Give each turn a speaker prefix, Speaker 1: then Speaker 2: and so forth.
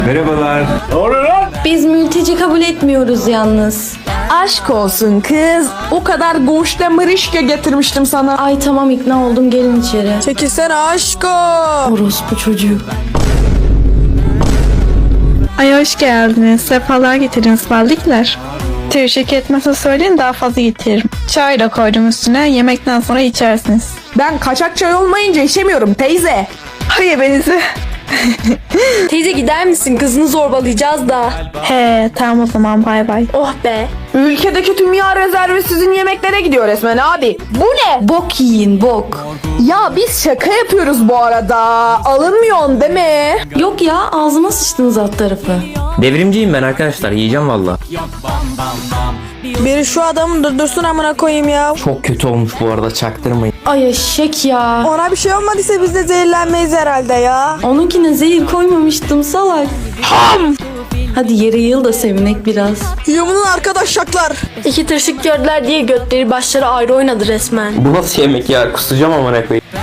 Speaker 1: Merhabalar.
Speaker 2: Biz mülteci kabul etmiyoruz yalnız.
Speaker 3: Aşk olsun kız. O kadar goşta mırışka getirmiştim sana.
Speaker 2: Ay tamam ikna oldum, gelin içeri.
Speaker 3: Çekilsene aşko.
Speaker 2: Orospu çocuğu.
Speaker 4: Ay hoş geldiniz. Sefalar getirin ısmarlıklar. Teşekkür etmezse söyleyin, daha fazla getiririm. Çay da koydum üstüne. Yemekten sonra içersiniz.
Speaker 3: Ben kaçak çay olmayınca içemiyorum teyze.
Speaker 4: Hayır benizi.
Speaker 5: Teyze gider misin? Kızını zorbalayacağız da.
Speaker 4: He tamam o zaman, bay bay.
Speaker 5: Oh be.
Speaker 3: Ülkedeki tüm yağ rezervi sizin yemeklere gidiyor resmen abi. Bu ne?
Speaker 2: Bok yiyin bok.
Speaker 3: Ya biz şaka yapıyoruz bu arada. Alınmıyorsun değil mi?
Speaker 2: Yok ya, ağzıma sıçtınız alt tarafı.
Speaker 6: Devrimciyim ben arkadaşlar, yiyeceğim valla.
Speaker 3: Biri şu adamı durdursun amına koyayım ya.
Speaker 6: Çok kötü olmuş bu arada, çaktırmayın.
Speaker 2: Ay eşek ya.
Speaker 3: Ona bir şey olmadıysa biz de zehirlenmeyiz herhalde ya.
Speaker 2: Onunkine zehir koymamıştım salak. Hadi yere yığıl da sevinek biraz.
Speaker 3: Yumunun arkadaşlar.
Speaker 5: İki tırsık gördüler diye götleri başları ayrı oynadı resmen.
Speaker 6: Bu nasıl yemek ya, kusacağım amına koyayım.